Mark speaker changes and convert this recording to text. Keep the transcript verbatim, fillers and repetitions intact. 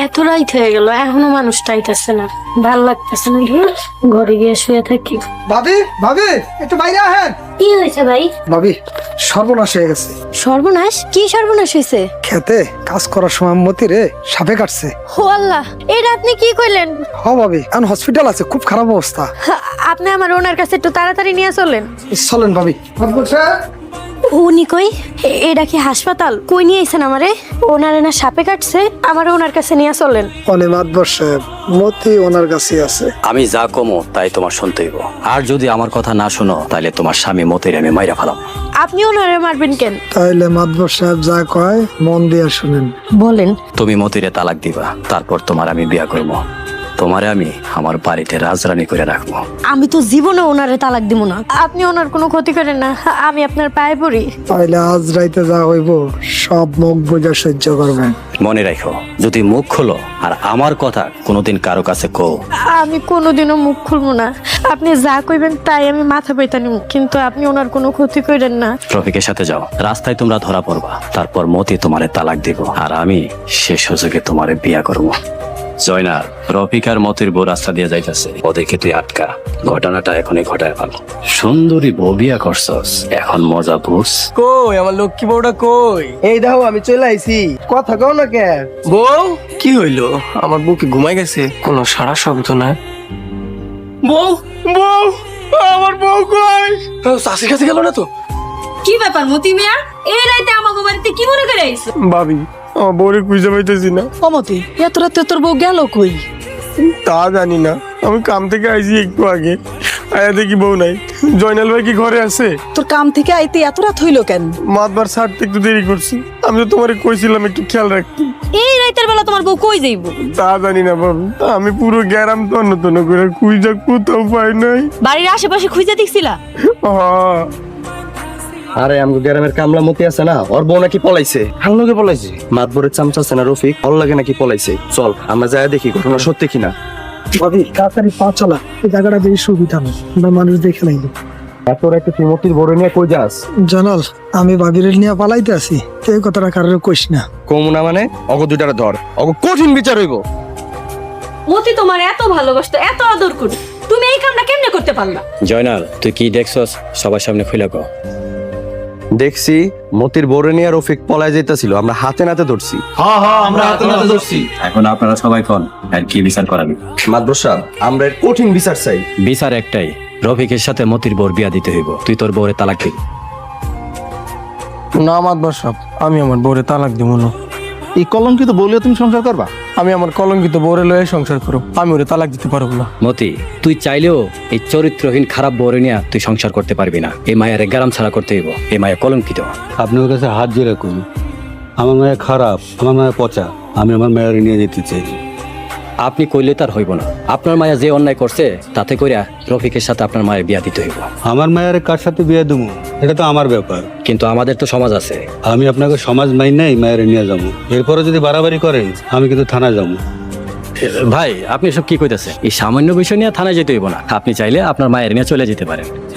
Speaker 1: এত রাইত হয়ে গেল, এখনো মানুষটা আইতাছে না, ভাল লাগতেছে না। ঘরে গিয়ে শুয়ে থাকি।
Speaker 2: ভাবি ভাবি একটু বাইরে আহেন।
Speaker 1: কি হয়েছে ভাই?
Speaker 2: ভাবি সর্বনাশ হয়ে গেছে।
Speaker 1: সর্বনাশ? কি সর্বনাশ হয়েছে?
Speaker 2: খেতে কাজ করার সময় মতি রে সাপে কাটছে।
Speaker 1: ও আল্লাহ, এটা আপনি কি কইলেন?
Speaker 2: হ ভাবি, এখন হসপিটাল আছে, খুব খারাপ অবস্থা।
Speaker 1: হা, আপনি আমার ওনার কাছে একটু তাড়াতাড়ি নিয়ে চলেন।
Speaker 2: চলেন ভাবি।
Speaker 1: উনি কই? এ- এটা কি হাসপাতাল? কই নিয়ে আইছেন আমারে? ওনারে না সাপে কাটছে, আমার ওনার কাছে নিয়ে চলেন।
Speaker 2: অনে মাতবর সাহেব, মতি ওনার কাছে আছে।
Speaker 3: আমি যা কমো তাই তোমার শুনতে হইব, আর যদি আমার কথা না শুনো তাহলে তোমার স্বামী মতির আমি মাইরা ফেলাম।
Speaker 1: আপনি ওনারে মারবেন কেন?
Speaker 2: তাইলে মাতবর সাহেব যা কয় মন দিয়ে শুনেন।
Speaker 1: বলেন।
Speaker 3: তুমি মতিরে তালাক দিবা, তারপর তোমার আমি বিয়া করব। তোমারে আমি আমার বাড়িতে রাজরানী করে রাখবো।
Speaker 1: আমি তো জীবনে ওনারে তালাক দিব না। আপনি ওনার কোনো ক্ষতি করেন না, আমি আপনার পায়ে পড়ি।
Speaker 2: তাইলে আজ রাইতে যা হইব সব মুখ বুঝে সহ্য করবেন।
Speaker 3: মনে রাখো, যদি মুখ খোলো আর আমার কথা কোনোদিন কারো কাছে কও,
Speaker 1: আমি কোনোদিনও মুখ খুলবো না। আপনি যা কইবেন তাই আমি মাথা পেতে নিব, কিন্তু আপনি ওনার কোনো ক্ষতি করেন না।
Speaker 3: রফিকের সাথে যাও, রাস্তায় তোমরা ধরা পড়বা, তারপর মতি তোমারে তালাক দিব আর আমি সে সুযোগে তোমারে বিয়া করবো। জয়নাল, রফিক আর মতির বউ রাস্তা দিয়ে যাইতেছে, ওদেরকে তুই আটকা। ঘটনাটা এখনই ঘটায় ফেল। সুন্দরী বউ বিয়া করছস, এখন মজা বুঝ।
Speaker 4: কই আমার লক্ষ্মী বউটা কই?
Speaker 5: এই দেখো আমি চলে আইছি, কথা কও না কে?
Speaker 4: বউ কি হইলো? আমার বউ কি ঘুমাই গেছে? কোনো সারা শব্দ নাই। বউ বউ আমার বউ কই? শাশির কাছে গেল না তো?
Speaker 6: কি ব্যাপার মতি মিয়া, এই রাইতে আমাকে বাড়িতে কি মনে করে আইছো?
Speaker 4: ভাবি আমার বউরে খুঁজে পাইতেছি না।
Speaker 7: অমতি, এত রাতে তোর বউ গেল কই?
Speaker 4: তা জানি না, আমি কাম থেকে আইছি একটু আগে, আয়া দেখি বউ নাই। জয়নাল ভাই কি ঘরে আছে?
Speaker 7: তোর কাম থেকে আইতে এত রাত হইলো কেন?
Speaker 4: মাতবার ছাড়তে একটু দেরি করছি, আমি তো তোমারে কইছিলাম একটু খেয়াল রাখতে।
Speaker 6: এই রাইতের বেলা তোমার বউ কই যাইবো?
Speaker 4: তা জানি না ভাবি, আমি পুরো গ্যারাম তন্ন তন্ন করে খুঁজা কোথাও পাই নাই।
Speaker 6: বাড়ির আশেপাশে খুঁজে দেখছিলা?
Speaker 4: হ্যাঁ,
Speaker 5: আরে আমগো গ্রামের কামলা মতি আছে না, ওর বউ নাকি পলাইছে। হাল লগে পলাইছে? মাতবরের চামচা আছে না রফিক, ওর লাগে নাকি পলাইছে। চল আমরা যাই দেখি ঘটনা সত্যি কিনা।
Speaker 2: ভাবি তাড়াতাড়ি পা চালা, এই জায়গাটা বেশি সুবিধা না, আমরা মানুষ দেখে নাই।
Speaker 5: এত রাতে তুই মতির বড় নিয়ে কই যাস?
Speaker 2: জানাল, আমি ভাবির নিয়ে পালাইতে আছি, এই কথাটা কারোর কইস না।
Speaker 5: কমুনা মানে অগ দুইটারে ধর, অগ কঠিন বিচার হইব।
Speaker 6: মতি তোমার এত ভালোবাসতো, এত আদর করতো, তুমি এই কামটা কেমনে করতে পারলা?
Speaker 3: জয়নাল, তুই কি দেখছস সবার সামনে খুলে কও।
Speaker 5: দেখছি মতির বড় নিয়ে রফিক পলাই যাইতাছিল, আমরা হাতে নাতে ধরছি।
Speaker 3: এখন আপনারা সবাই কোন আর কি বিচার করাবি?
Speaker 5: মাতবর সাহেব, আমরা এর কঠিন বিচার চাই।
Speaker 3: বিচার একটাই, রফিকের সাথে মতির বউর বিয়া দিতে হইব। তুই তোর বউরে তালাক দিবি।
Speaker 4: না মাতবার সাহেব, আমি আমার বউরে তালাক দিব না।
Speaker 8: এই কলঙ্কিত বলিও তুমি সংসার করবা?
Speaker 4: আমি আমার কলঙ্কিত বউরে লয়ে সংসার করো, আমি ওরে তালাক দিতে পারবো না।
Speaker 3: মতি, তুই চাইলেও এই চরিত্রহীন খারাপ বউরে নিয়ে তুই সংসার করতে পারবি না। এই মায়ের গ্যারাম ছাড়া করতে হইব, এই মায়া কলঙ্কিত।
Speaker 8: আপনার কাছে হাত জোড়া করি, আমার মায়ের খারাপ, আমার মায়ের পচা, আমি আমার মায়ের নিয়ে যেতে চাই।
Speaker 3: আপনি কইলে তার হইব না। আপনার মায়া যে অন্যায় করছে তাতে কইরা রফিকের সাথে আপনার মায়ের বিয়া দিতে হইব।
Speaker 8: আমার মায়ের কার সাথে বিয়ে দেবো এটা তো আমার ব্যাপার।
Speaker 3: কিন্তু আমাদের তো সমাজ আছে।
Speaker 8: আমি আপনাকে সমাজ মাই নাই মায়ের নিয়ে যাবো, এরপরে যদি বাড়াবাড়ি করেন আমি কিন্তু থানায় যাবো।
Speaker 3: ভাই, আপনি সব কি কইতেছেন? এই সামান্য বিষয় নিয়ে থানায় যেতে হইব না। আপনি চাইলে আপনার মায়ের নিয়ে চলে যেতে পারেন।